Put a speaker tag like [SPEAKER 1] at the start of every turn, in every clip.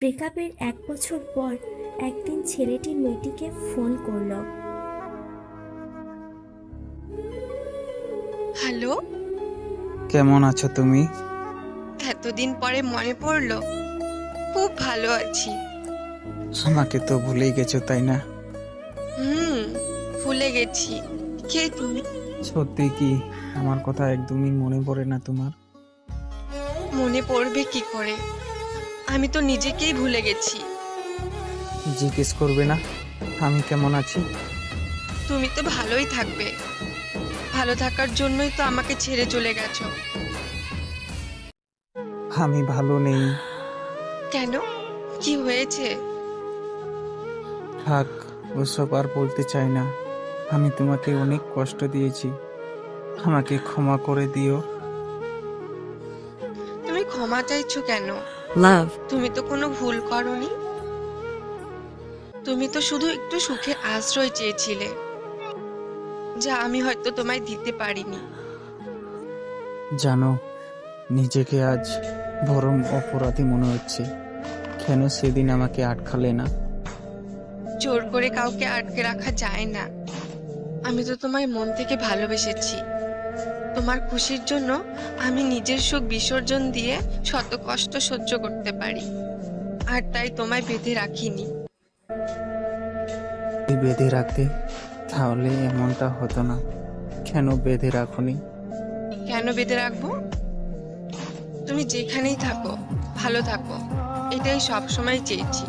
[SPEAKER 1] ব্রেকআপের 1 বছর পর একদিন ছেলেটি মেয়েটিকে ফোন করলো।
[SPEAKER 2] হ্যালো,
[SPEAKER 3] কেমন আছো তুমি?
[SPEAKER 2] এতদিন পরে মনে পড়লো। খুব ভালো আছি।
[SPEAKER 3] আমাকে তো ভুলেই গেছো তাই না?
[SPEAKER 2] হুম, ভুলে গেছি। কে তুমি?
[SPEAKER 3] সত্যি কি আমার কথা একদমই মনে পড়ে না তোমার?
[SPEAKER 2] মনে পড়বে কি করে? আমি তো নিজেকেই ভুলে গেছি।
[SPEAKER 3] জিজ্ঞেস করবে না আমি কেমন আছি?
[SPEAKER 2] তুমি তো ভালোই থাকবে। ভালো থাকার জন্যই তো আমাকে ছেড়ে চলে গেছো।
[SPEAKER 3] আমি ভালো নেই।
[SPEAKER 2] কেন? কি হয়েছে?
[SPEAKER 3] থাক, ওসব আর বলতে চাই না। আমি তোমাকে অনেক কষ্ট দিয়েছি, আমাকে ক্ষমা করে দিও।
[SPEAKER 2] তুমি ক্ষমা চাইছো কেন?
[SPEAKER 4] Love.
[SPEAKER 2] তুমি তো কোনো ভুল করোনি। তুমি তো শুধু একটু সুখের আশ্রয় চেয়েছিলে, যা আমি হয়তো তোমায় দিতে পারিনি।
[SPEAKER 3] জানো, নিজেকে আজ বরং অপরাধী মনে হচ্ছে। কেন সেদিন আমাকে আটকালে না?
[SPEAKER 2] জোর করে কাউকে আটকে রাখা যায় না। আমি তো তোমায় মন থেকে ভালোবেসেছি। তোমার খুশির জন্য আমি নিজের সুখ বিসর্জন দিয়ে শত কষ্ট সহ্য করতে পারি, আর তাই তোমায় বেঁধে রাখিনি।
[SPEAKER 3] যদি বেঁধে রাখতে তাহলে এমনটা হতো না। কেন বেঁধে রাখোনি?
[SPEAKER 2] কেন বেঁধে রাখবো? তুমি যেখানেই থাকো ভালো থাকো, এটাই সব সময় চেয়েছি।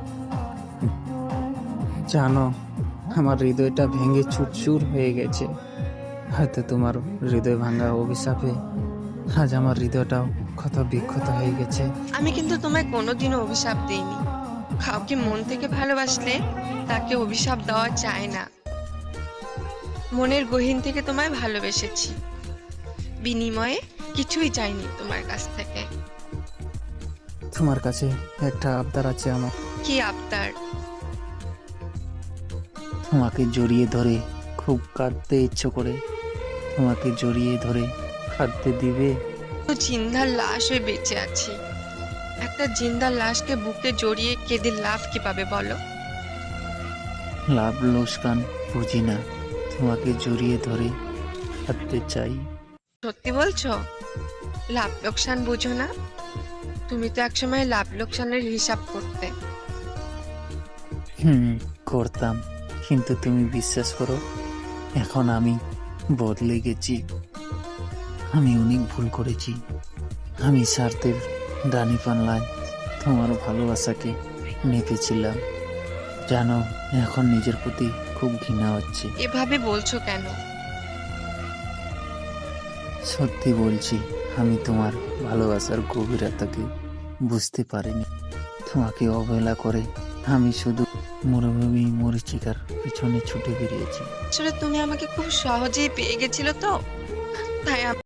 [SPEAKER 3] জানো, আমার হৃদয়টা ভেঙে চুরচুর হয়ে গেছে। হয়তো তোমার হৃদয় ভাঙা অভিশাপে আজ আমার হৃদয়টাও ক্ষত বিক্ষত হয়ে গেছে।
[SPEAKER 2] আমি কিন্তু তোমায় কোনোদিনও অভিশাপ দেইনি। কাউকে মন থেকে ভালোবাসলে তাকে অভিশাপ দেওয়া যায় না। মনের গহীন থেকে তোমায় ভালোবেসেছি, বিনিময়ে কিছুই চাইনি তোমার কাছ থেকে।
[SPEAKER 3] তোমার কাছে একটা আবদার আছে আমার।
[SPEAKER 2] কি আবদার?
[SPEAKER 3] তোমাকে জড়িয়ে ধরে খুব কাঁদতে ইচ্ছে করে। তোমাকে জড়িয়ে ধরে কাঁদতে দিবে?
[SPEAKER 2] তো জিন্দার লাশ হয়ে বেঁচে আছি। একটা জিন্দার লাশকে বুকে জড়িয়ে কেঁদে লাভ কি পাবে বলো?
[SPEAKER 3] লাভ লোকসান বুঝি না, তোমাকে জড়িয়ে ধরে কাঁদতে চাই।
[SPEAKER 2] সত্যি বলছো? লাভ লোকসান বুঝো না? তুমি তো একসময় লাভ লোকসানের হিসাব করতে।
[SPEAKER 3] হুম, করতাম, কিন্তু তুমি বিশ্বাস করো, এখন আমি বদলে গেছি। আমি অনেক ভুল করেছি। আমি স্বার্থের ডানি পাল্লায় তোমার ভালোবাসাকে মেপেছিলাম। জানো, এখন নিজের প্রতি খুব ঘৃণা হচ্ছে।
[SPEAKER 2] এভাবে বলছো কেন?
[SPEAKER 3] সত্যি বলছি, আমি তোমার ভালোবাসার গভীরতাকে বুঝতে পারিনি। তোমাকে অবহেলা করে আমি শুধু মরুভূমি মরীচিকার পিছনে ছুটে বেরিয়েছি।
[SPEAKER 2] আসলে তুমি আমাকে খুব সহজেই পেয়ে গেছিলে তো, তাই